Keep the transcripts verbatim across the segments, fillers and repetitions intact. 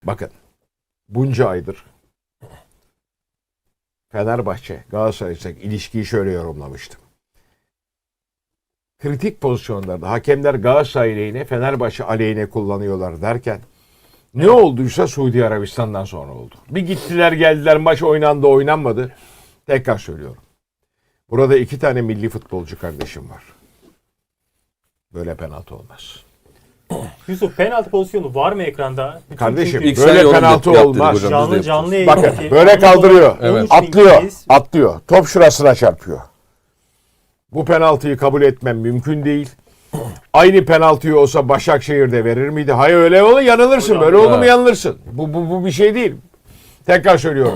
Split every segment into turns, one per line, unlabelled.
Bakın bunca aydır Fenerbahçe Galatasaray'la ilişkiyi şöyle yorumlamıştım. Kritik pozisyonlarda hakemler Galatasaray lehine Fenerbahçe aleyhine kullanıyorlar derken ne olduysa Suudi Arabistan'dan sonra oldu. Bir gittiler geldiler, maç oynandı oynanmadı. Tekrar söylüyorum. Burada iki tane milli futbolcu kardeşim var. Böyle penaltı olmaz.
Yusuf, penaltı pozisyonu var mı ekranda? Bütün
Kardeşim
çünkü
böyle penaltı olmaz.
Hocam,
canlı canlı
Bakın
yayındaki-
böyle kaldırıyor.
Evet.
Atlıyor. Atlıyor. Top şurasına çarpıyor. Bu penaltıyı kabul etmem mümkün değil. Aynı penaltıyı olsa Başakşehir'de verir miydi? Hayır, öyle olur yanılırsın.
Hocam,
böyle olur mu
evet.
yanılırsın. Bu, bu, bu bir şey değil. Tekrar söylüyorum.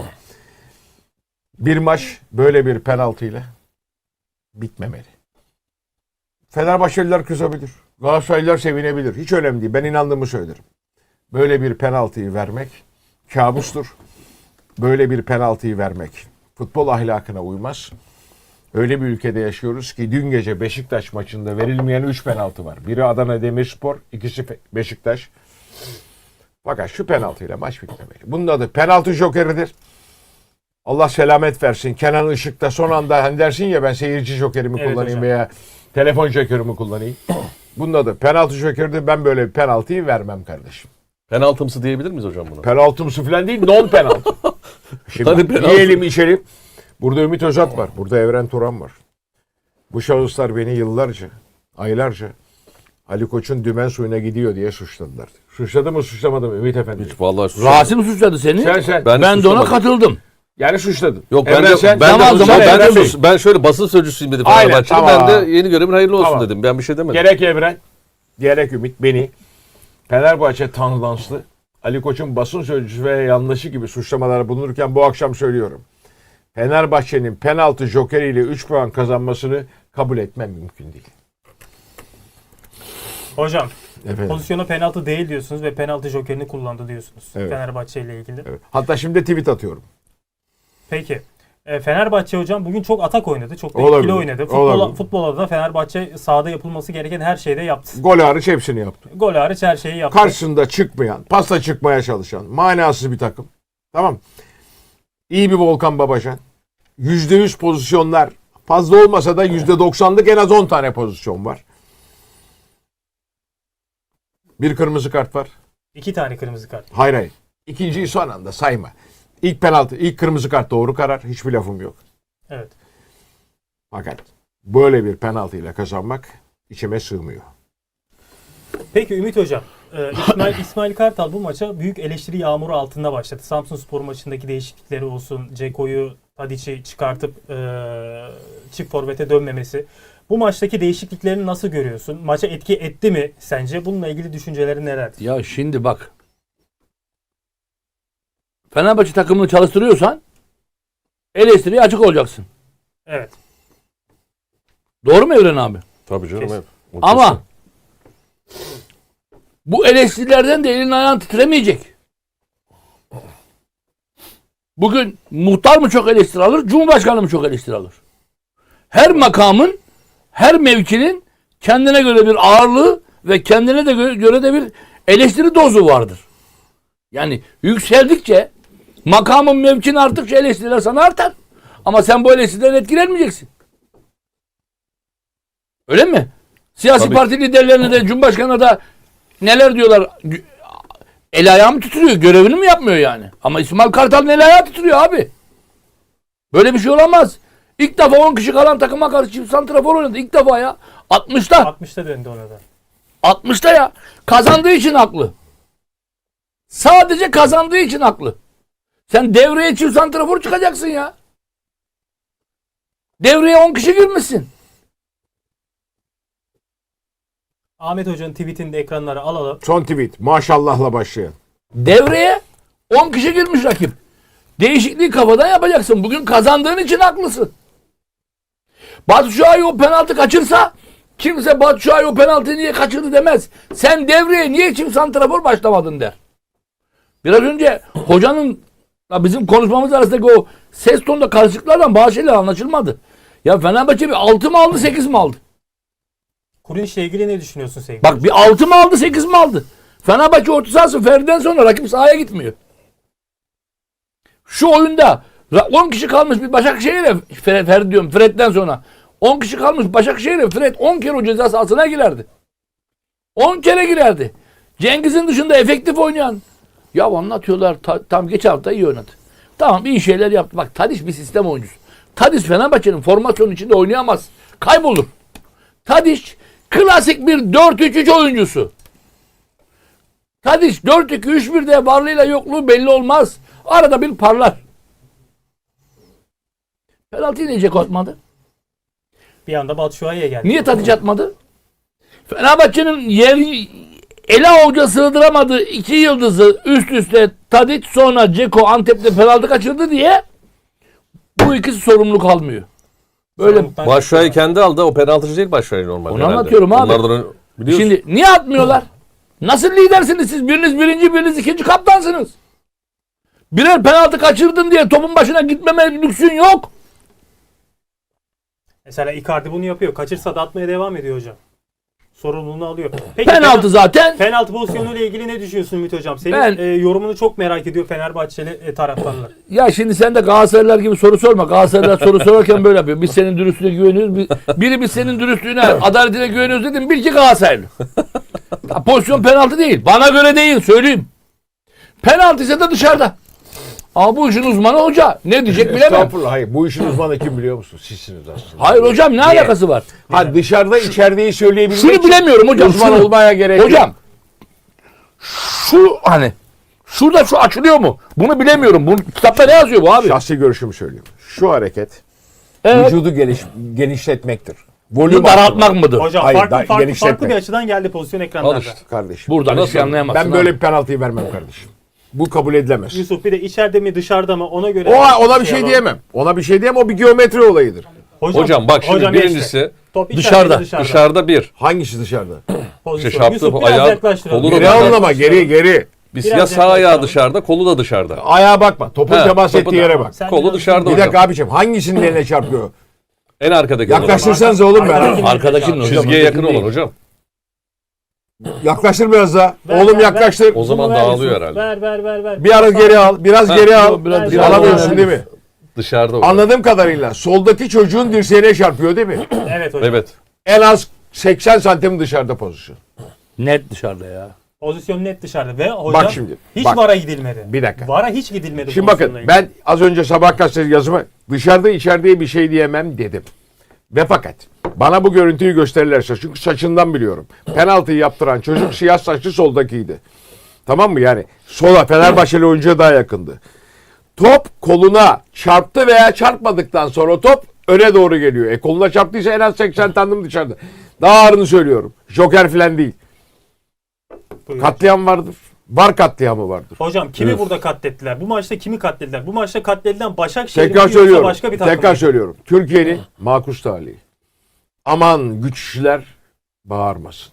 Bir maç böyle bir penaltıyla bitmemeli. Fenerbahçeliler kızabilir. Galatasaraylılar sevinebilir. Hiç önemli değil. Ben inandığımı söylerim. Böyle bir penaltıyı vermek kabustur. Böyle bir penaltıyı vermek futbol ahlakına uymaz. Öyle bir ülkede yaşıyoruz ki dün gece Beşiktaş maçında verilmeyen üç penaltı var. Biri Adana Demirspor, ikisi Beşiktaş. Fakat şu penaltıyla maç bitmemeli. Bunun adı penaltı jokeridir. Allah selamet versin. Kenan Işık'ta son anda hani dersin ya, ben seyirci jokerimi
Evet
kullanayım
hocam.
veya telefon jokerimi kullanayım. Bunun adı penaltı jokeridir. Ben böyle bir penaltıyı vermem kardeşim.
Penaltımsı diyebilir miyiz hocam buna?
Penaltımsı falan değil, non penaltı. Şimdi
Hadi penaltı.
yiyelim içelim. Burada Ümit Özat var. Burada Evren Turan var. Bu şahıslar beni yıllarca, aylarca Ali Koç'un dümen suyuna gidiyor diye suçladılar. Suçladı mı suçlamadı mı Ümit Efendi?
Hiç vallahi suçlamadım.
Rasim suçladı seni.
Sen sen.
Ben-
Ben, de ona
suçlamadım.
katıldım.
Yani suçladın.
Yok ben
Evren
de,
sen.
ben,
Tamam,
de,
zaman
ben, de,
Evren Bey.
sus- ben şöyle basın sözcüsüyüm dedi
Aynen,
Fenerbahçe'de.
tamam.
Ben de yeni görevin hayırlı olsun
Tamam.
dedim. Ben bir şey demedim.
Gerek Evren, gerek Ümit beni Fenerbahçe tandanslı Ali Koç'un basın sözcüsü ve yanlışı gibi suçlamalara bulunurken bu akşam söylüyorum. Fenerbahçe'nin penaltı jokeriyle üç puan kazanmasını kabul etmem mümkün değil.
Hocam,
Efendim.
pozisyona penaltı değil diyorsunuz ve penaltı jokerini kullandı diyorsunuz.
Evet.
Fenerbahçe ile ilgili.
Evet. Hatta şimdi tweet atıyorum.
Peki. E, Fenerbahçe hocam bugün çok atak oynadı. Çok da
Olabilir,
etkili oynadı. Futbol,
olabilir.
futbolda da Fenerbahçe sahada yapılması gereken her şeyi de yaptı.
Gol hariç hepsini yaptı.
Gol hariç her şeyi yaptı.
Karşısında çıkmayan, pasta çıkmaya çalışan, manasız bir takım. Tamam. İyi bir Volkan Babacan. yüzde yüz pozisyonlar, fazla olmasa da yüzde doksanlık en az on tane pozisyon var. Bir kırmızı kart var.
İki tane kırmızı kart.
Hayır hayır. İkinciyi son anda sayma. İlk penaltı, ilk kırmızı kart doğru karar. Hiçbir lafım yok.
Evet.
Fakat böyle bir penaltıyla kazanmak içime sığmıyor.
Peki Ümit Hocam, e, İsmail, İsmail Kartal bu maça büyük eleştiri yağmuru altında başladı. Samsunspor maçındaki değişiklikleri olsun, Ceko'yu, Tadic'i çıkartıp e, çift forvete dönmemesi. Bu maçtaki değişikliklerini nasıl görüyorsun? Maça etki etti mi sence? Bununla ilgili düşüncelerin nelerdir?
Ya şimdi bak. Fenerbahçe takımını çalıştırıyorsan eleştiriye açık olacaksın.
Evet.
Doğru mu Evren abi?
Tabii canım.
Kesin.
Evet. O
Ama bu eleştirilerden de elin ayağın titremeyecek. Bugün muhtar mı çok eleştiri alır, Cumhurbaşkanı mı çok eleştiri alır? Her makamın, her mevkinin kendine göre bir ağırlığı ve kendine de göre, göre de bir eleştiri dozu vardır. Yani yükseldikçe makamın, mevkin arttıkça eleştiriler sana artar. Ama sen bu eleştiriden etkilenmeyeceksin. Öyle mi? Siyasi
Tabii.
parti liderlerine de Cumhurbaşkanı'na da neler diyorlar? El ayağı mı titriyor? Görevini mi yapmıyor yani? Ama İsmail Kartal'ın el ayağı titriyor abi. Böyle bir şey olamaz. İlk defa on kişi kalan takıma karşı çift santrafor oynadı. İlk defa ya. altmışta.
altmışta döndü ona da.
altmışta ya. Kazandığı için haklı. Sadece kazandığı için haklı. Sen devreye çift santrafor çıkacaksın ya. Devreye on kişi girmişsin.
Ahmet Hoca'nın tweetini de ekranlara alalım.
Son tweet. Maşallahla başlayan.
Devreye on kişi girmiş rakip. Değişikliği kafadan yapacaksın. Bugün kazandığın için haklısın. Batu Şua'yı o penaltı kaçırsa kimse Batu Şua'yı o penaltıyı niye kaçırdı demez. Sen devreye niye çift santrafor başlamadın der. Biraz önce hocanın bizim konuşmamız arasındaki o ses tonunda karışıklardan bazı şeyler anlaşılmadı. Ya Fenerbahçe bir altı mı aldı sekiz mi aldı?
Kurun ile ilgili ne düşünüyorsun sevgili
Bak
hocam?
bir altı mı aldı sekiz mi aldı? Fenerbahçe orta sahası Ferdi'den sonra rakip sahaya gitmiyor. Şu oyunda on kişi kalmış bir Başakşehir'e Fred, Ferdi diyorum Fred'den sonra on kişi kalmış Başakşehir'e Fred on kere o ceza sahasına girerdi. on kere girerdi. Cengiz'in dışında efektif oynayan. Ya anlatıyorlar ta, tam geç hafta iyi oynadı. Tamam iyi şeyler yaptı. Bak Tadiç bir sistem oyuncusu. Tadiç Fenerbahçe'nin formasyonu içinde oynayamaz. Kaybolur. Tadiç klasik bir dört üç üç oyuncusu. Tadiç dört iki üç birde varlığıyla yokluğu belli olmaz. Arada bir parlar. Penaltıyı niye Ceko atmadı?
Bir anda Batshuayi'ye geldi.
Niye Tadiç atmadı? Fenerbahçe'nin yer ele avuca sığdıramadığı iki yıldızı üst üste Tadiç sonra Ceko Antep'te penaltı kaçırdı diye bu ikisi sorumluluk almıyor. Böyle
Sorumluluktan
Başşuay'ı kendi aldı. O penaltıcı değil Başşuay normalde.
Onu
herhalde.
anlatıyorum abi.
Onlardan ön- biliyorsun.
şimdi niye atmıyorlar? Nasıl lidersiniz siz? Biriniz birinci, biriniz ikinci kaptansınız. Birer penaltı kaçırdın diye topun başına gitmeme lüksün yok.
Mesela Icardi bunu yapıyor. Kaçırsa da atmaya devam ediyor hocam. Sorumluluğunu alıyor. Peki,
Penaltı zaten.
Penaltı pozisyonuyla ilgili ne düşünüyorsun Ümit Hocam? Senin
Ben-
e, yorumunu çok merak ediyor Fenerbahçeli e, taraftarlar.
Ya şimdi sen de Galatasaraylılar gibi soru sorma. Galatasaraylılar soru sorarken böyle yapıyor. Biz senin dürüstlüğüne güveniyoruz. Bir- Biri biz senin dürüstlüğüne, adaletine güveniyoruz dedim. Bil ki Galatasaraylı. Ya pozisyon penaltı değil. Bana göre değil. Söyleyeyim. Penaltı ise de dışarıda. Ama bu işin uzmanı hoca. Ne diyecek bilemem.
Estağfurullah. Hayır. Bu işin uzmanı kim biliyor musun? Sizsiniz aslında.
Hayır hocam ne alakası var?
Ha dışarıda içerideyi söyleyebilmek
Şunu
için
bilemiyorum hocam.
uzman
şunu.
olmaya gerek yok.
Hocam şu hani şurada şu açılıyor mu? Bunu bilemiyorum. Bu kitapta ne yazıyor bu abi?
Şahsi görüşümü söylüyorum. Şu hareket
Evet.
vücudu geniş, genişletmektir.
Bunu
Volüm
daraltmak
arttırmak.
mıdır?
Hocam
Hayır,
farklı,
daha
farklı,
genişletme.
farklı bir açıdan geldi pozisyon ekranlarda.
Al işte.
Kardeşim.
Buradan
Nasıl?
hiçbir anlayamazsın.
Ben
abi.
böyle bir penaltıyı vermem kardeşim. Bu kabul edilemez.
Yusuf bir de içeride mi dışarıda mı ona göre.
O ona bir şey
yapalım.
diyemem. Ona bir şey diyemem. O bir geometri olayıdır.
Hocam bak şimdi
hocam
birincisi
işte. Top içeride,
dışarıda,
dışarıda.
dışarıda bir.
Hangisi dışarıda?
Pozisyon.
İşte şaptı,
Yusuf biraz
ayağı,
yaklaştıralım.
kolu da
Geri
Biraz
anlama. Geri geri.
Biz
Biraz
ya sağ ayağı
yaklaşalım.
dışarıda, kolu da dışarıda.
Ayağa bakma. Topun
He,
temas
topu
ettiği
da-
yere bak.
Sen
Kolu
biraz-
dışarıda
Bir
hocam.
dakika abicim. Hangisinin eline çarpıyor?
En arkadaki olan.
Yaklaştırsanız oğlum
Arkadaki-
ben.
Arkadakinin hocam.
Çizgiye yakın
ötekinin
olan
değil.
hocam.
Yaklaştır biraz daha.
Ver,
Oğlum
ver,
yaklaştır.
O zaman
Bunu ver
dağılıyor
Yusuf.
herhalde.
Ver ver ver ver.
Bir ara geri al. Biraz
Ha,
geri al.
biraz
Ver,
dışarıda
ver.
Alamıyorsun
oynayalım.
değil mi?
Dışarıda hocam.
Anladığım kadarıyla soldaki çocuğun dirseğine çarpıyor değil mi?
Evet hocam.
Evet.
En az seksen santim dışarıda pozisyon.
Net dışarıda ya.
Pozisyon net dışarıda ve hocam
Bak şimdi,
hiç
bak.
VAR'a gidilmedi.
Bir dakika.
VAR'a hiç gidilmedi.
Şimdi
pozisyonla
bakın
ilgili.
ben az önce Sabah gazetesi yazımı dışarıda içeride bir şey diyemem dedim. Ve fakat bana bu görüntüyü gösterirlerse çünkü saçından biliyorum. Penaltıyı yaptıran çocuk siyah saçlı soldakiydi. Tamam mı yani? Sola Fenerbahçeli oyuncuya daha yakındı. Top koluna çarptı veya çarpmadıktan sonra top öne doğru geliyor. E koluna çarptıysa en az seksen santim dışarıda. Daha ağırını söylüyorum. Joker falan değil.
Buyurun.
Katliam vardır. Var katliamı vardır.
Hocam kimi
Evet.
burada katlettiler? Bu maçta kimi katlettiler? Bu maçta katledilen Başakşehir mi
Tekrar
yoksa
söylüyorum.
başka bir takım
Tekrar
mı?
söylüyorum. Türkiye'nin makus talihi. Aman güçlüler bağırmasın.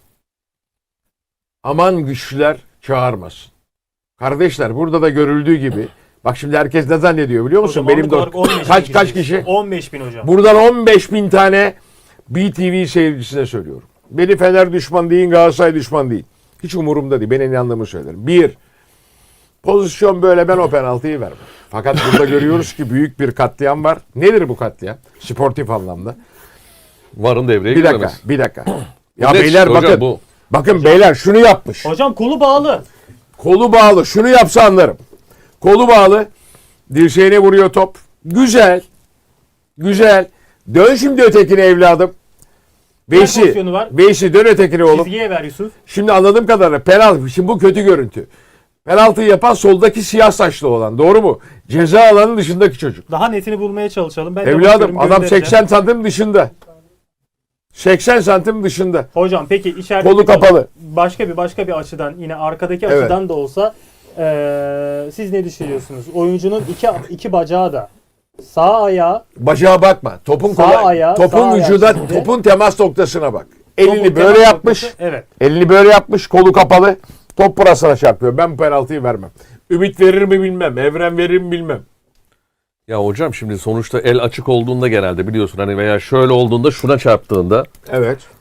Aman güçlüler çağırmasın. Kardeşler burada da görüldüğü gibi bak şimdi herkes ne zannediyor biliyor musun?
Hocam,
Benim
anlık olarak on beş
de
bin
kaç kaç
kişiyiz.
kişi?
on beş bin hocam.
Buradan on beş bin tane B T V seyircisine söylüyorum. Beni Fener düşman değil, Galatasaray düşman değil. Hiç umurumda değil. Ben inandığımı söylerim. Bir, pozisyon böyle ben o penaltıyı vermem. Fakat burada görüyoruz ki büyük bir katliam var. Nedir bu katliam? Sportif anlamda.
Varın devreye
Bir dakika,
girmemesi.
bir dakika. Ya
Net
beyler
işte hocam
bakın.
bu.
Bakın beyler şunu yapmış.
Hocam kolu bağlı.
Kolu bağlı. Şunu yapsa anlarım. Kolu bağlı. Dirseğine vuruyor top. Güzel. Güzel. Dön şimdi ötekine evladım. Veysi.
pozisyonu var.
Veysi dön ötekine oğlum.
Çizgiye ver Yusuf.
Şimdi anladığım kadarıyla penaltı. Şimdi bu kötü görüntü. Penaltıyı yapan soldaki siyah saçlı olan. Doğru mu? Ceza alanının dışındaki çocuk.
Daha netini bulmaya çalışalım. Ben de
Evladım
bakıyorum,
adam
göndereceğim.
seksen santim dışında. seksen santim dışında.
Hocam peki içeride
Kolu kapalı.
Başka bir başka bir açıdan yine arkadaki
Evet.
açıdan da olsa eee, siz ne düşünüyorsunuz? Oyuncunun iki iki bacağı da sağ ayağı
Bacağa bakma. Topun
Sağ
kolay.
ayağı,
topun
sağ ayağı
vücuda,
şimdi.
topun temas noktasına bak.
topun
Elini
temas
böyle yapmış.
noktası- Evet.
Elini böyle yapmış, kolu kapalı. Top burasına çarpıyor. Ben bu penaltıyı vermem. Ümit verir mi bilmem. Evren verir mi bilmem.
Ya hocam şimdi sonuçta el açık olduğunda genelde biliyorsun hani veya şöyle olduğunda şuna çarptığında
Evet.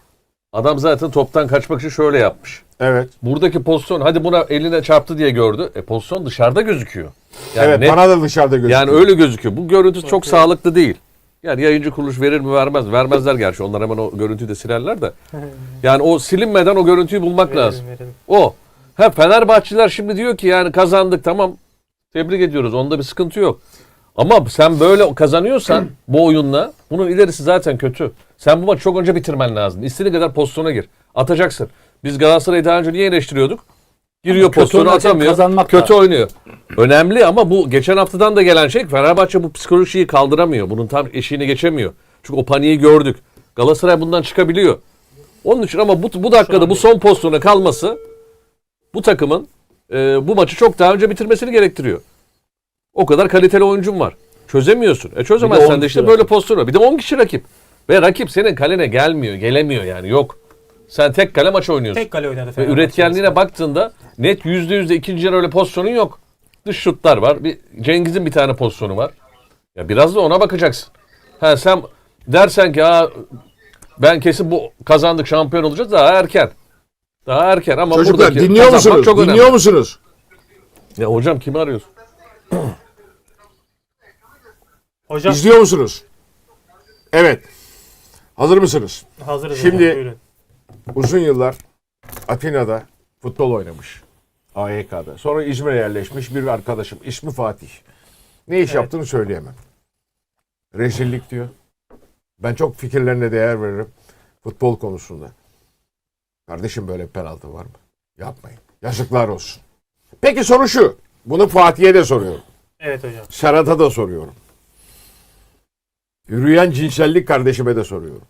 Adam zaten toptan kaçmak için şöyle yapmış.
Evet.
Buradaki pozisyon hadi buna eline çarptı diye gördü. E pozisyon dışarıda gözüküyor. Yani
evet
net-
bana da dışarıda gözüküyor.
Yani öyle gözüküyor. Bu görüntü çok sağlıklı değil. Yani yayıncı kuruluş verir mi vermez. Vermezler gerçi. Onlar hemen o görüntüyü de silerler de. Yani o silinmeden o görüntüyü bulmak
Verelim,
lazım.
verelim.
O. Ha Fenerbahçeliler şimdi diyor ki yani kazandık tamam. Tebrik ediyoruz. Onda bir sıkıntı yok. Ama sen böyle kazanıyorsan bu oyunla bunun ilerisi zaten kötü. Sen bu maçı çok önce bitirmen lazım. İstediğin kadar pozisyona gir. Atacaksın. Biz Galatasaray'ı daha önce niye eleştiriyorduk? Giriyor
Ama kötü
pozisyonu
oynarken
atamıyor.
kazanmak
Kötü
da-
oynuyor. Önemli ama bu geçen haftadan da gelen şey Fenerbahçe bu psikolojiyi kaldıramıyor. Bunun tam eşiğini geçemiyor. Çünkü o paniği gördük. Galatasaray bundan çıkabiliyor. Onun için ama bu, bu dakikada bu son pozisyona kalması bu takımın e, bu maçı çok daha önce bitirmesini gerektiriyor. O kadar kaliteli oyuncun var. Çözemiyorsun. E çözemezsen
on
de
kişi
işte böyle
rakip.
pozisyonu. Bir de on kişi rakip. Ve rakip senin kalene gelmiyor. Gelemiyor yani yok. Sen tek kale maç oynuyorsun.
Tek kale oynadı
Ve
Fenerbahçe.
üretkenliğine baktığında net yüzde yüzde ikinci yarı öyle pozisyonun yok. Dış şutlar var. Bir, Cengiz'in bir tane pozisyonu var. Ya biraz da ona bakacaksın. Ha sen dersen ki ha ben kesin bu kazandık şampiyon olacağız daha erken. Daha erken ama
Çocuklar
buradaki
dinliyor
kazanmak
musunuz?
çok önemli.
Dinliyor musunuz?
Ya hocam kimi arıyorsun?
Hocam
İzliyor musunuz? Evet. Hazır mısınız?
hazırız.
Şimdi-
hocam, buyurun.
Uzun yıllar Atina'da futbol oynamış. A Y K'da. Sonra İzmir'e yerleşmiş bir arkadaşım. İsmi Fatih. Ne iş
Evet.
yaptığını söyleyemem. Rezillik diyor. Ben çok fikirlerine değer veririm. Futbol konusunda. Kardeşim böyle bir penaltı var mı? Yapmayın. Yazıklar olsun. Peki soru şu. Bunu Fatih'e de soruyorum.
Evet hocam.
Serhat'a da soruyorum. Yürüyen cinsellik kardeşime de soruyorum.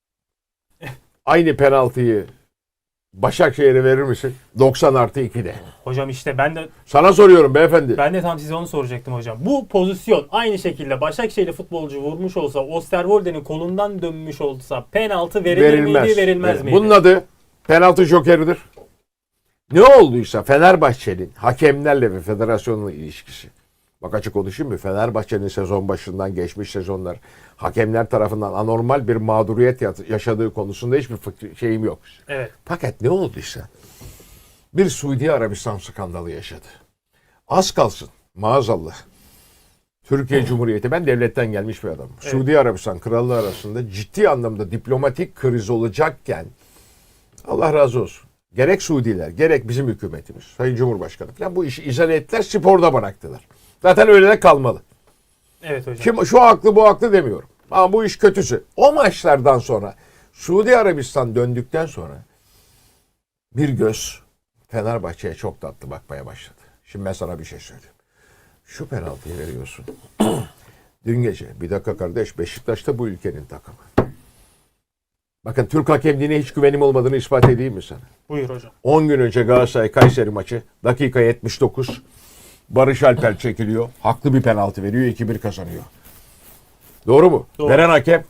Aynı penaltıyı Başakşehir'e verir misin? doksan artı ikide.
Hocam işte ben de
Sana soruyorum beyefendi.
ben de tam size onu soracaktım hocam. Bu pozisyon aynı şekilde Başakşehirli futbolcu vurmuş olsa, Osterwolde'nin kolundan dönmüş olsa penaltı verilir miydi, verilmez miydi?
Bunun adı penaltı jokeridir. Ne olduysa Fenerbahçe'nin hakemlerle ve federasyonla ilişkisi. Bak açık konuşayım mı? Fenerbahçe'nin sezon başından geçmiş sezonlar hakemler tarafından anormal bir mağduriyet yat- yaşadığı konusunda hiçbir fikri- şeyim yok.
Evet.
Fakat ne olduysa bir Suudi Arabistan skandalı yaşadı. Az kalsın maazallah. Türkiye Cumhuriyeti, ben devletten gelmiş bir adamım.
Evet.
Suudi Arabistan Krallığı arasında ciddi anlamda diplomatik kriz olacakken Allah razı olsun. Gerek Suudiler, gerek bizim hükümetimiz, Sayın Cumhurbaşkanı falan bu işi izale ettiler, sporda bıraktılar. Zaten öyle de kalmalı.
Evet hocam.
Kim, şu haklı bu haklı demiyorum. Ama bu iş kötüsü. O maçlardan sonra Suudi Arabistan döndükten sonra bir göz Fenerbahçe'ye çok tatlı bakmaya başladı. Şimdi ben sana bir şey söyleyeyim. Şu penaltıyı veriyorsun. Dün gece bir dakika kardeş, Beşiktaş'ta bu ülkenin takımı. Bakın Türk hakemliğine hiç güvenim olmadığını ispat edeyim mi sana?
Buyur hocam.
on gün önce Galatasaray Kayseri maçı dakika yetmiş dokuz Barış Alper çekiliyor. Haklı bir penaltı veriyor. iki bir kazanıyor. Doğru mu?
Doğru.
Veren hakem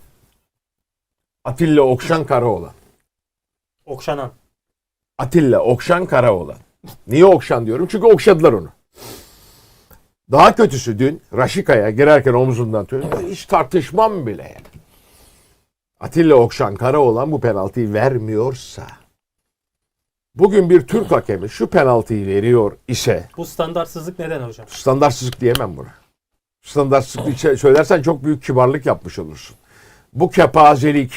Atilla Okşan Karaoğlan.
Okşanan.
Atilla Okşan Karaoğlan. Niye Okşan diyorum? Çünkü okşadılar onu. Daha kötüsü dün Raşika'ya girerken omzundan tutuyor. Hiç tartışmam bile yani. Atilla Okşan Karaoğlan bu penaltıyı vermiyorsa, bugün bir Türk hakemi şu penaltıyı veriyor ise,
Bu standartsızlık neden hocam?
standartsızlık diyemem buna. Standartsızlık içe- söylersen çok büyük kibarlık yapmış olursun. Bu kepazelik,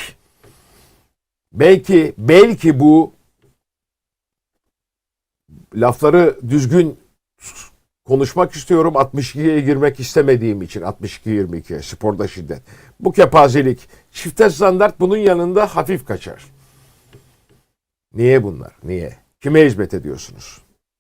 belki belki bu lafları düzgün konuşmak istiyorum. altmış ikiye girmek istemediğim için altmış iki yirmi iki sporda şiddet. Bu kepazelik, çifte standart bunun yanında hafif kaçar. Niye bunlar? Niye? Kime hizmet ediyorsunuz?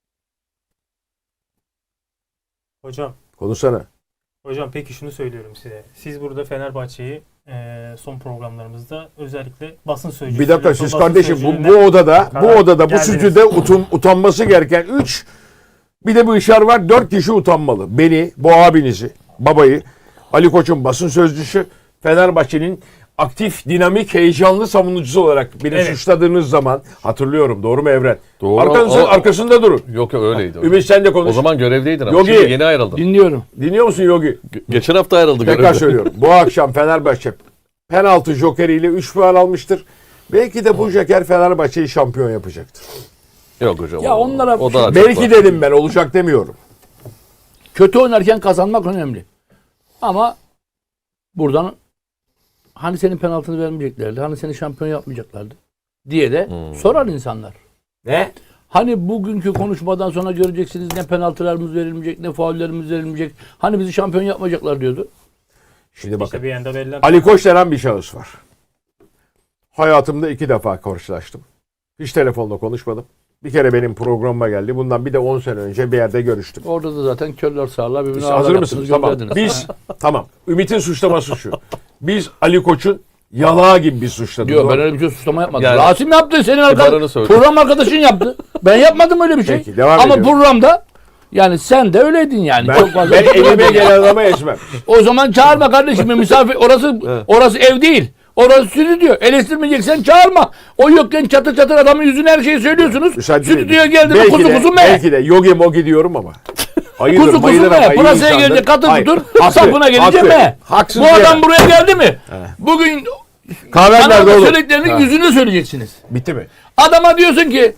Hocam.
Konuşsana.
Hocam peki şunu söylüyorum size. Siz burada Fenerbahçe'yi e, son programlarımızda özellikle basın sözcüsü.
Bir dakika siz
basın
kardeşim bu,
sözcülüğüne-
bu odada bu
karar
odada bu
geldiniz.
stüdyoda utan, utanması gereken üç, bir de bu işar var, dört kişi utanmalı. Beni, bu abinizi, babayı, Ali Koç'un basın sözcüsü, Fenerbahçe'nin aktif, dinamik, heyecanlı savunucusu olarak beni
Evet.
suçladığınız zaman hatırlıyorum. Doğru mu Evren?
Doğru.
Arkanızda,
O-
arkasında durun.
Yok yok öyleydi. hocam.
Ümit sen de konuş.
O zaman görevdeydin ama
Yogi.
şimdi yeni ayrıldın.
Dinliyorum.
Dinliyor musun Yogi?
Ge- Geçen hafta ayrıldı
Tekrar
görevde.
söylüyorum. Bu akşam Fenerbahçe penaltı jokeriyle üç puan almıştır. Belki de bu Joker Fenerbahçe'yi şampiyon yapacaktır.
Yok hocam.
Ya
o-
onlara-
o daha çok
Belki
var.
dedim ben, olacak demiyorum.
Kötü oynarken kazanmak önemli. Ama buradan hani senin penaltını vermeyeceklerdi, hani seni şampiyon yapmayacaklardı diye de sorar insanlar.
Ne?
Hani bugünkü konuşmadan sonra göreceksiniz ne penaltılarımız verilmeyecek, ne faullerimiz verilmeyecek. Hani bizi şampiyon yapmayacaklar diyordu.
Şimdi bakın.
İşte bir yanda verilen
Ali Koç denen bir şahıs var. Hayatımda iki defa karşılaştım. Hiç telefonla konuşmadım. Bir kere benim programıma geldi. Bundan bir de on sene önce bir yerde görüştüm.
Orada da zaten körler sağırlar birbirine
Biz
ağlar
hazır
yaptınız,
mısınız? Tamam.
gönderdiniz.
Biz tamam. Ümit'in suçlaması şu. Biz Ali Koç'un yalağı gibi bir suçladık.
Diyor ben öyle bir şey suçlama yapmadım.
Yani-
Rasim yaptı, senin
Kibarını
arkadaşın,
söyle.
program arkadaşın yaptı. Ben yapmadım öyle bir şey.
Peki, devam
Ama
ediyorum.
programda yani sen de öyleydin yani.
Ben,
Çok fazla.
ben elime gelen adama ezmem.
O zaman çağırma kardeşim. Misafir orası orası ev değil. Orası stüdyo. Eleştirmeyeceksen çağırma. O yokken çatır çatır adamın yüzüne her şeyi söylüyorsunuz.
Müsaade
Stüdyoya
edin.
geldi mi
Belki
kuzu
de-
kuzu me.
Belki de yogi mogi diyorum ama. Hayırdır,
Kuzu kuzu
bayılır ama
me.
iyi
Pırasaya
insandır.
gelince katır
Hayır,
tutur.
haklı,
Sapına gelince
haklı.
me.
Haksız
Bu adam
diyemem.
buraya geldi mi? Bugün
Kahven nerede
bana
oğlum?
söylediklerini
Ha.
yüzüne söyleyeceksiniz.
Bitti mi?
Adama diyorsun ki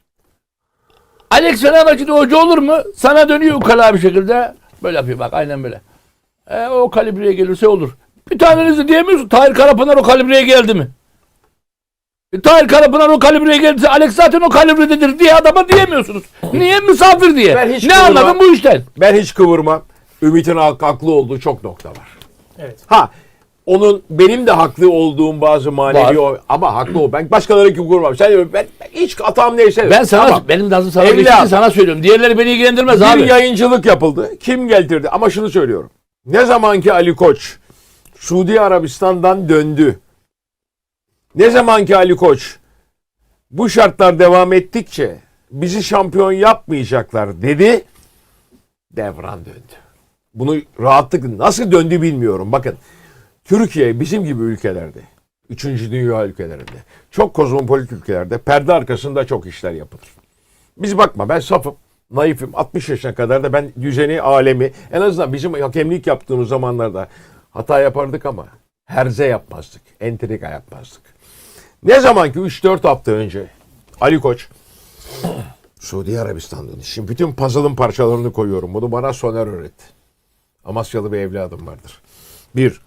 Alex Fenerbahçe'de hoca olur mu? Sana dönüyor ukala bir şekilde. Böyle yapıyor bak aynen böyle. E, o kalibreye gelirse olur. Bir tanenizi diyemiyorsun. Tahir Karapınar o kalibreye geldi mi? E, Tahir Karapınar o kalibreye geldiyse Alex zaten o kalibrededir diye adama diyemiyorsunuz. Niye? Misafir diye.
Ben hiç
Ne
kıvırmam.
anladın bu işten?
Ben hiç kıvırmam. Ümit'in hak- haklı olduğu çok nokta var.
Evet.
Ha, onun benim de haklı olduğum bazı manevi o, ama haklı o. Ben başkaları gibi kıvırmam. Sen ben, ben hiç hatam neyse.
Ben sana
Tamam.
benim lazım sana
Evlat.
geçtiği sana söylüyorum. Diğerleri beni ilgilendirmez
Bir
abi.
yayıncılık yapıldı. Kim getirdi? Ama şunu söylüyorum. Ne zamanki Ali Koç Suudi Arabistan'dan döndü. Ne zamanki Ali Koç bu şartlar devam ettikçe bizi şampiyon yapmayacaklar dedi. Devran döndü. Bunu rahatlık nasıl döndü bilmiyorum. Bakın Türkiye bizim gibi ülkelerde, üçüncü dünya ülkelerinde, çok kozmopolit ülkelerde perde arkasında çok işler yapılır. Biz bakma ben safım, naifim. altmış yaşına kadar da ben düzeni, alemi, en azından bizim hakemlik yaptığımız zamanlarda hata yapardık ama herze yapmazdık, entrika yapmazdık. Ne zaman ki üç dört hafta önce Ali Koç Suudi Arabistan'dan, şimdi bütün puzzle'ın parçalarını koyuyorum. Bunu bana Soner öğretti. Amasyalı bir evladım vardır. Bir,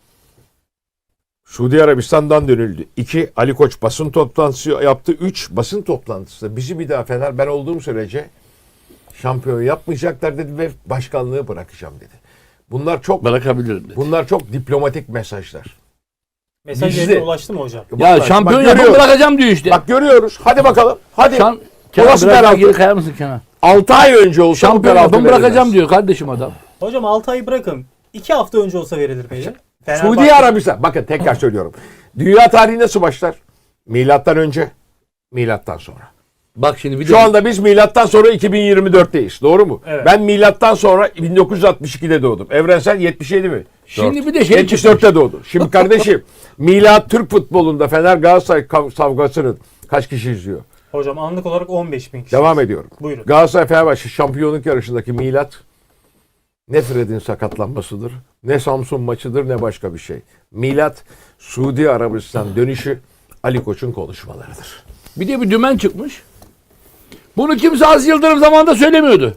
Suudi Arabistan'dan dönüldü. İki, Ali Koç basın toplantısı yaptı. Üç, basın toplantısında bizi bir daha Fener ben olduğum sürece şampiyon yapmayacaklar dedi ve başkanlığı bırakacağım dedi. Bunlar çok
Bırakabilirim dedi.
bunlar çok diplomatik mesajlar.
Mesaj
Bizde-
yerine ulaştı mı hocam?
Ya
Vallahi
şampiyon
bak
yapıp
görüyoruz.
bırakacağım diyor işte.
Bak görüyoruz. Hadi bakalım. Hadi.
Şam, Kenan
Orası
biraz daha
penaltı.
geri kayar mısın Kenan?
altı ay önce olsa bu
Şampiyon
penaltı
yapıp bırakacağım
verilmez.
diyor kardeşim adam.
Hocam altı ayı bırakın. iki hafta önce olsa verilir miydi?
Suudi Arabistan. Bakın tekrar söylüyorum. Dünya tarihi nasıl başlar? Milattan önce, milattan sonra.
Bak şimdi bir de
Şu anda biz milattan sonra iki bin yirmi dörtteyiz. Doğru mu?
Evet.
Ben milattan sonra bin dokuz yüz altmış ikide doğdum. Evrensel yetmiş yedi mi?
şimdi bir de şey
yetmiş
çıkmış.
dörtte doğdu. Şimdi kardeşim milat Türk futbolunda Fener Galatasaray kav- savgasının kaç kişi izliyor?
Hocam anlık olarak on beş bin kişi.
Devam ediyorum.
Buyurun.
Galatasaray Fenerbahçe şampiyonluk yarışındaki milat ne Fred'in sakatlanmasıdır, ne Samsun maçıdır, ne başka bir şey. Milat Suudi Arabistan dönüşü Ali Koç'un konuşmalarıdır.
Bir de bir dümen çıkmış. Bunu kimse Aziz Yıldırım zamanında söylemiyordu.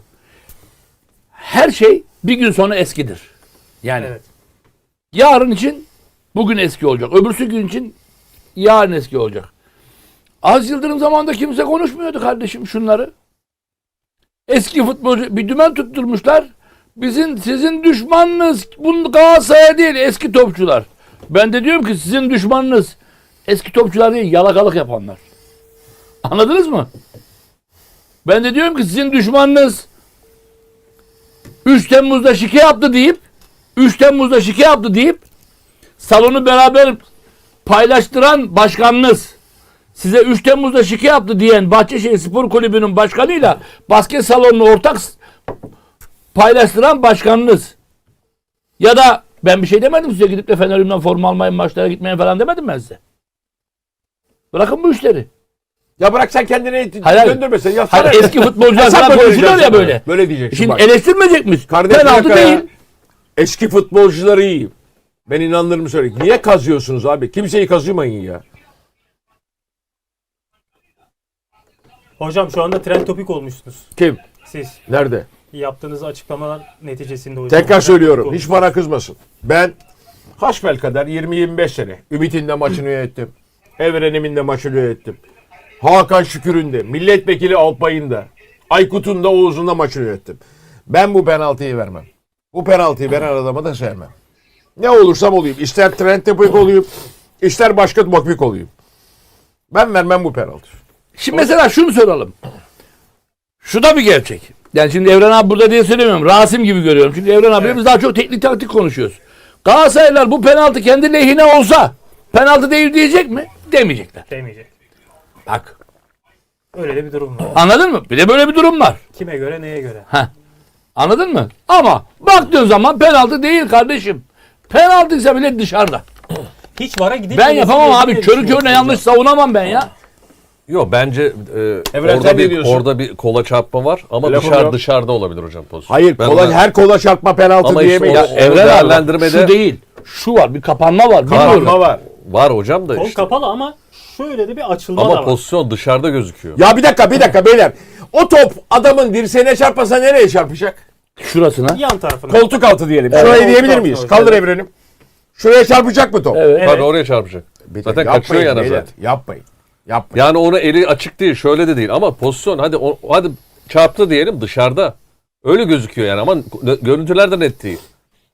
Her şey bir gün sonra eskidir. Yani
Evet.
yarın için bugün eski olacak. Öbürsü gün için yarın eski olacak. Aziz Yıldırım zamanında kimse konuşmuyordu kardeşim şunları. Eski futbolcu bir dümen tutturmuşlar. Bizim sizin düşmanınız bu Galatasaray değil eski topçular. Ben de diyorum ki sizin düşmanınız eski topçular değil yalakalık yapanlar. Anladınız mı? Ben de diyorum ki sizin düşmanınız üç Temmuz'da şike yaptı deyip üç Temmuz'da şike yaptı deyip salonu beraber paylaştıran başkanınız size üç Temmuz'da şike yaptı diyen Bahçeşehir Spor Kulübü'nün başkanıyla basket salonunu ortak s- paylaştıran başkanınız ya da ben bir şey demedim size gidip de Fenerim'den forma almayın maçlara gitmeyin falan demedim ben size. Bırakın bu işleri.
Ya bırak sen kendini
Hayır, hayır.
döndürmesin. Ya
Hayır,
sana-
eski futbolcular
Hesap
falan konuşuyor
ödeyeceksin
ya böyle.
Böyle diyeceksin
Şimdi
bak.
eleştirmeyecek miyiz?
Kardeşim
Penaltı
Yakaya,
değil.
eski futbolcuları iyi. Ben inanırım söyleyeyim. Niye kazıyorsunuz abi? Kimseyi kazımayın ya.
Hocam şu anda trend topik olmuşsunuz.
Kim?
Siz
Nerede?
yaptığınız açıklamalar neticesinde hocam.
Tekrar söylüyorum. Hiç
Hiç
bana kızmasın. Ben hasbelkader yirmi yirmi beş sene Ümit'in de maçını yönettim. Evren'imin de maçını yönettim. Hakan Şükür'ün de, milletvekili Alpay'ın da, Aykut'un da, Oğuz'un da maçını yönettim. Ben bu penaltıyı vermem. Bu penaltıyı veren adamı da sevmem. Ne olursam olayım. İster trend topik olayım, ister başka topik olayım. Ben vermem bu penaltıyı.
Şimdi mesela şunu soralım. Şu da bir gerçek. Yani şimdi Evren abi burada diye söylemiyorum. Rasim gibi görüyorum. Çünkü Evren abi
Evet.
biz daha çok teknik taktik konuşuyoruz. Galatasaraylılar bu penaltı kendi lehine olsa penaltı değil diyecek mi? Demeyecekler.
demeyecek.
Bak.
Öyle de bir durum var.
Anladın mı? Bir de böyle bir durum var.
Kime göre neye göre?
Heh. Anladın mı? Ama baktığın zaman penaltı değil kardeşim. Penaltıysa bile dışarıda.
Hiç vara gidip
Ben yapamam abi. Körü körüne yanlış savunamam ben ya.
Yok bence e,
Evren,
orada
sen ne
bir
diyorsun?
orada bir kola çarpma var ama
Lafım
dışarı
yok.
dışarıda olabilir hocam pozisyon.
Hayır,
Ben
kola,
ona-
her kola çarpma penaltı
Ama işte
diyemeyiz.
o-
Ya,
o-
Evren abi bak,
değerlendirmede-
şu değil. Şu var. Bir kapanma var.
Kapanma
Bilmiyorum.
var.
var hocam da
Kol
işte.
kapalı ama şöyle de bir açılma da
Ama
var.
pozisyon dışarıda gözüküyor.
Ya bir dakika, bir dakika beyler. O top adamın dirseğine çarpmasa nereye çarpacak?
Şurasına.
Yan tarafına.
Koltuk altı diyelim.
Evet.
Şurayı
Koltuk
diyebilir
altı
miyiz?
hocam.
Kaldır Evrenim. Şuraya çarpacak mı top?
Evet.
Evet.
Tabii oraya çarpacak.
Bir
Zaten
yapmayın
kaçıyor yana
beyler,
zaten.
Yapmayın. Yapmayın.
Yani onu eli açık değil, şöyle de değil ama pozisyon hadi o, hadi çarptı diyelim dışarıda. Öyle gözüküyor yani ama gö- görüntüler de net değil.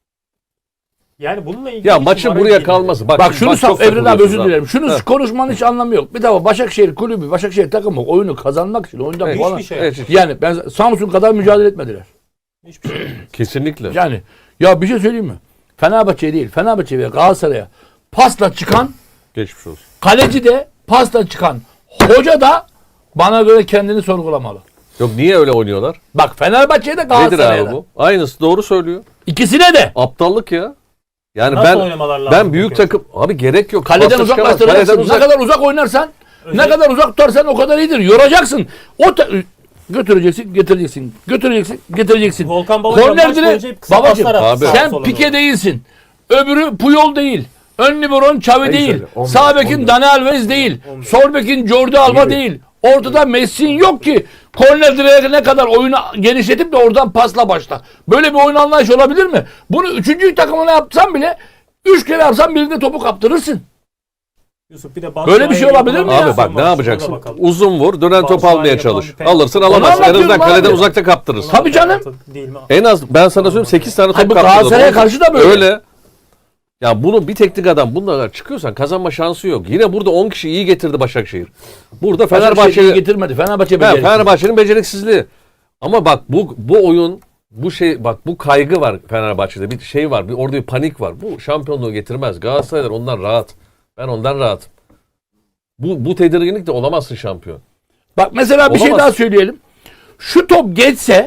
Yani bununla ilgili
Ya
hiç
maçın
vara
buraya
gidilmedi.
kalması. Bak,
Bak
şimdi
şunu
bak,
saf
çok
Evren abi
takılıyorsunuz
özür
ha.
dilerim. Şunu
Heh.
konuşmanın hiç anlamı yok. Bir defa Başakşehir kulübü, Başakşehir takımı oyunu kazanmak için oyundan
Evet.
puan.
Hiçbir şey.
Evet,
Yani ben Samsun kadar mücadele etmediler.
Hiçbir şey.
kesinlikle.
Yani ya bir şey söyleyeyim mi? Fenerbahçe değil, Fenerbahçe ve Galatasaray'a pasla çıkan,
Geçmiş olsun.
kaleci de pasla çıkan, hoca da bana göre kendini sorgulamalı.
Yok niye öyle oynuyorlar?
Bak Fenerbahçe'de
Nedir
Galatasaray'da.
abi bu? Aynısı doğru söylüyor.
İkisine de.
Aptallık ya. Yani
Nasıl
ben
oynamalar lazım
ben büyük
peki?
takım abi gerek yok.
Kaleden
Pasta çıkamaz.
uzaklaştıracaksın.
Kaleden uzak.
Ne kadar uzak oynarsan, ne
Özel-
kadar uzak tutarsan o kadar iyidir. Yoracaksın. O ta- götüreceksin, getireceksin. Götüreceksin, getireceksin.
Volkan Babacan
Korner
maç
dire-
boyunca hep kısa
babacım,
paslar attı
abi.
sağa
sen
sola
Pike
doğru.
değilsin. Öbürü Puyol değil. Ön liberon Xavi
Neyse,
değil.
on bir,
Sağ bekin
on bir.
Dani Alves değil.
on bir.
Sol bekin Jordi Alba
Yirmi.
değil. Ortada Messi'nin yok ki. Korner direğe ne kadar oyunu genişletip de oradan pasla başla. Böyle bir oyun anlayışı olabilir mi? Bunu üçüncü takımına yapsan bile üç kere yapsan birinde topu kaptırırsın.
Yusuf bir de
Böyle bir şey olabilir mi ya?
Abi bak ne yapacaksın? Uzun vur, dönen top
Batshuayi
almaya
yapan
çalış.
bir penaltı.
Alırsın
Onu
alamazsın. En
anlatıyorum
azından kaleden
abi.
uzakta kaptırırsın.
Tabii canım.
Değil mi?
En az ben sana söyleyeyim sekiz tane
Hayır,
top
bu
kaptırdı.
Galatasaray'a karşı da böyle.
Öyle. Ya bunu bir teknik adam bununla çıkıyorsan kazanma şansı yok. Yine burada on kişi iyi getirdi Başakşehir. Burada
Fenerbahçe'yi
Fenerbahçe
getirmedi. Fenerbahçe
Ha,
beceriksiz.
Fenerbahçe'nin beceriksizliği. Ama bak bu bu oyun bu şey bak bu kaygı var Fenerbahçe'de bir şey var bir orada bir panik var. Bu şampiyonluğu getirmez. Galatasaraylar ondan rahat. Ben ondan rahatım. Bu bu tedirginlik de olamazsın şampiyon.
Bak mesela bir şey
Olamaz.
daha söyleyelim. Şu top geçse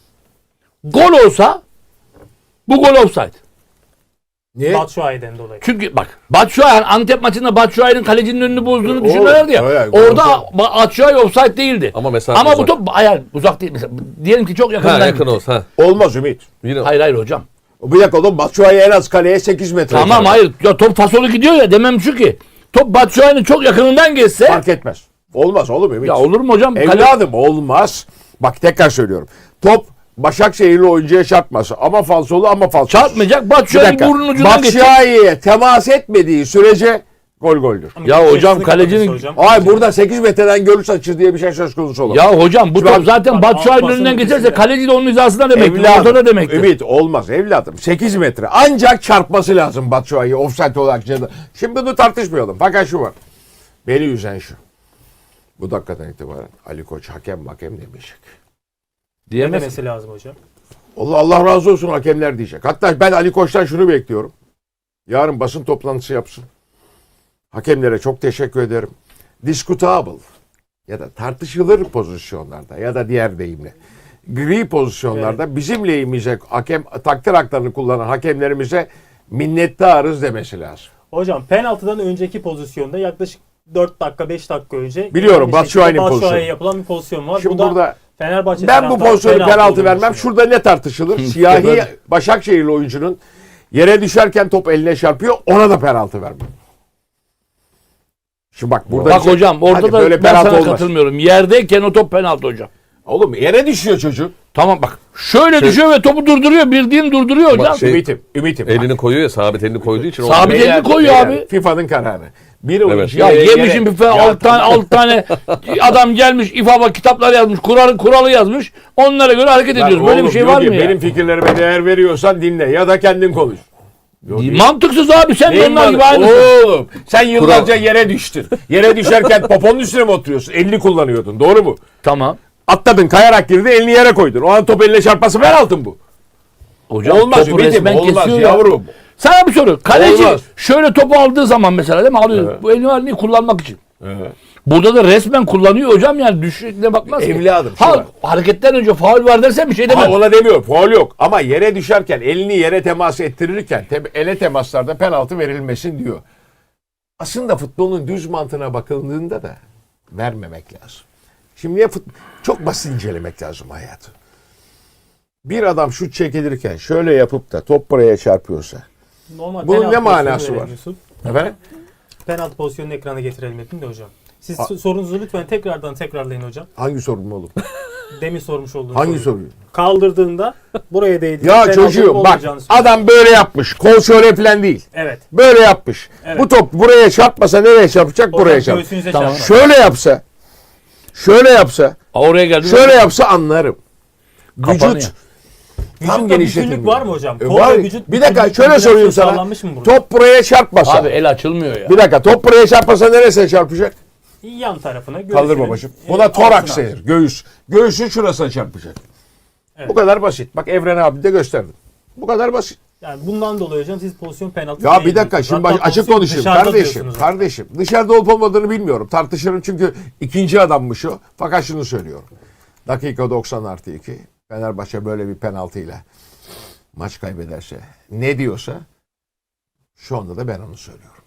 gol olsa bu gol offside.
Niye?
Batshuayi'den dolayı.
Çünkü bak Batshuayi Antep maçında Batshuayi'nin kalecinin önünü bozduğunu
Olur,
düşünüyorlardı ya.
öyle,
orada
gol
Batshuayi offside değildi.
Ama mesela
Ama bu
uzak.
top hayır uzak değil. Mesela, diyelim ki çok
Ha,
yakından
yakın
gitti.
olsa. Ha.
Olmaz Ümit.
Yine
Hayır hayır hocam.
Bir dakika oğlum, Batshuayi en az kaleye sekiz metre.
Tamam hayır. Ya top fasolu gidiyor ya demem şu ki. Top Batshuayi'nin çok yakınından geçse
Fark etmez. Olmaz oğlum Ümit.
ya olur mu hocam? Kale-
Evladım olmaz. Bak tekrar söylüyorum. Top Başakşehirli oyuncuya çarpması. Ama falsolu ama falsolu.
çarpmayacak.
Bir
Batshuayi'nin
dakika.
burnunun ucundan geçecek.
Batshuayi'ye temas etmediği sürece gol goldür.
Ya hocam,
Kesinlikle
kalecinin-
hocam.
Ay burada sekiz metreden görüş açır diye bir şey söz konusu olamaz.
Ya hocam bu
Şu an-
top zaten
Bak,
Batshuayi'nin
basın
önünden geçerse
ötesinde.
kaleci de onun hizasında demektir.
Evladım,
Ortada demektir.
Ümit olmaz evladım. sekiz metre. Ancak çarpması lazım Batshuayi'ye offside olarak. Ceza. Şimdi bunu tartışmayalım. Fakat şu var. Beni üzen şu. Bu dakikadan itibaren Ali Koç hakem hakem demeyecek.
Ne
Diyemez.
demesi lazım hocam?
Allah Allah razı olsun hakemler diyecek. Hatta ben Ali Koç'tan şunu bekliyorum. Yarın basın toplantısı yapsın. Hakemlere çok teşekkür ederim. Discutable ya da tartışılır pozisyonlarda ya da diğer deyimle gri pozisyonlarda bizim lehimize hakem takdir haklarını kullanan hakemlerimize minnettarız demesi lazım.
Hocam penaltıdan önceki pozisyonda yaklaşık dört dakika beş dakika önce
Biliyorum,
aynı şekilde
Batshuayi'nin
Batshuayi'ye
pozisyonu.
yapılan bir pozisyon var.
Şimdi
bu da
burada
Fenerbahçe
ben bu
taraftarı
pozisyonu penaltı
olduğunu
vermem.
düşünüyor.
Şurada ne tartışılır? Siyahi Başakşehirli oyuncunun yere düşerken top eline çarpıyor. Ona da penaltı vermem. Şimdi bak burada
Bak
bir şey-
hocam orada
Hadi
da
böyle
ben
penaltı
sana
olmaz.
katılmıyorum. Yerdeyken o top penaltı hocam.
Oğlum yere düşüyor çocuk.
Tamam bak. Şöyle
Şey-
düşüyor ve topu durduruyor. Bildiğin durduruyor hocam.
şey-
Ümitim, ümitim.
Elini koyuyor ya, sabit elini koyduğu için.
Sabit
olmuyor.
elini koyuyor abi.
FIFA'nın kararı. Bir oyuncu
Ya
yere-
yemişim
yere-
bir falan
Ya
alt tane, alt tane adam gelmiş İFAB'a kitaplar yazmış. Kuralı, kuralı yazmış. Onlara göre hareket
Lan
ediyoruz. Böyle
oğlum
bir şey
diyor
var
ki,
mı ya?
benim fikirlerime değer veriyorsan dinle ya da kendin konuş. Yok, değil.
Mantıksız abi sen de
Neyin
onlar gibi
var?
aynısın.
Oğlum sen yıllarca yere düştün. Yere düşerken poponun üstüne mi oturuyorsun? Elini kullanıyordun. Doğru mu?
Tamam.
Atladın, kayarak girdi, elini yere koydun. O an top eline çarpması penaltı bu.
Hocam
Olmaz
topu
Ümit'im,
resmen
olmaz
kesiyor ya.
yavrum.
Sana bir soru. Kaleci
Olmaz.
şöyle topu aldığı zaman mesela değil mi? Alıyor.
Evet.
Bu elini var niye kullanmak için.
Evet.
Burada da resmen kullanıyor hocam yani düşüşüne bakmaz ki.
Evladım, şu
Ha,
var.
hareketten önce faul var dersen bir şey demem.
Ama ona demiyor. Faul yok. Ama yere düşerken, elini yere temas ettirirken te- ele temaslarda penaltı verilmesin diyor. Aslında futbolun düz mantığına bakıldığında da vermemek lazım. Şimdi ya fut- çok basit incelemek lazım hayatı. Bir adam şut çekilirken şöyle yapıp da top buraya çarpıyorsa.
Normal
Bunun
penaltı
ne manası
pozisyonu
var?
verelim Yusuf.
Efendim?
Penaltı pozisyonunu ekrana getirelim dedim de hocam. Siz sorunuzu lütfen tekrardan tekrarlayın hocam.
Hangi sorun oğlum?
Demin sormuş olduğunuz
Hangi
soruyu.
soruyu?
Kaldırdığında buraya değdi.
Ya çocuğum bak adam böyle yapmış. Kol şöyle falan değil.
Evet.
Böyle yapmış.
Evet.
Bu top buraya çarpmasa nereye çarpacak?
Hocam
Buraya çarpacak.
göğsünüze
Tamam.
çarpar.
Şöyle yapsa, şöyle yapsa,
Oraya geldi.
şöyle yapsa anlarım.
Kapanıyor.
Vücut
Vücutta
tam
bütünlük
genişletilmiyor.
var mı hocam?
E,
Kol
var.
ve vücut
Bir dakika
bütünlük,
şöyle sorayım
koordinasyon
sana.
sağlanmış mı burada?
Top buraya çarpmasa.
Abi el açılmıyor ya.
Bir dakika top buraya çarpmasa neresine çarpacak?
Yan tarafına göğsünün,
Kaldır babacığım.
e,
Buna toraks
altına.
denir. Göğüs. Göğsün şurasına çarpacak.
Evet.
Bu kadar basit. Bak Evren abi de gösterdim. Bu kadar basit.
Yani bundan dolayı hocam siz pozisyon penaltı
Ya
değil
bir dakika
diyorsunuz.
şimdi
Hatta
baş- açık
pozisyon
konuşayım
dışarıda
kardeşim.
diyorsunuz.
Kardeşim dışarıda olup olmadığını bilmiyorum. Tartışırım çünkü ikinci adammış o. Fakat şunu söylüyorum. Dakika doksan artı iki. Fenerbahçe böyle bir penaltıyla maç kaybederse ne diyorsa şu anda da ben onu söylüyorum.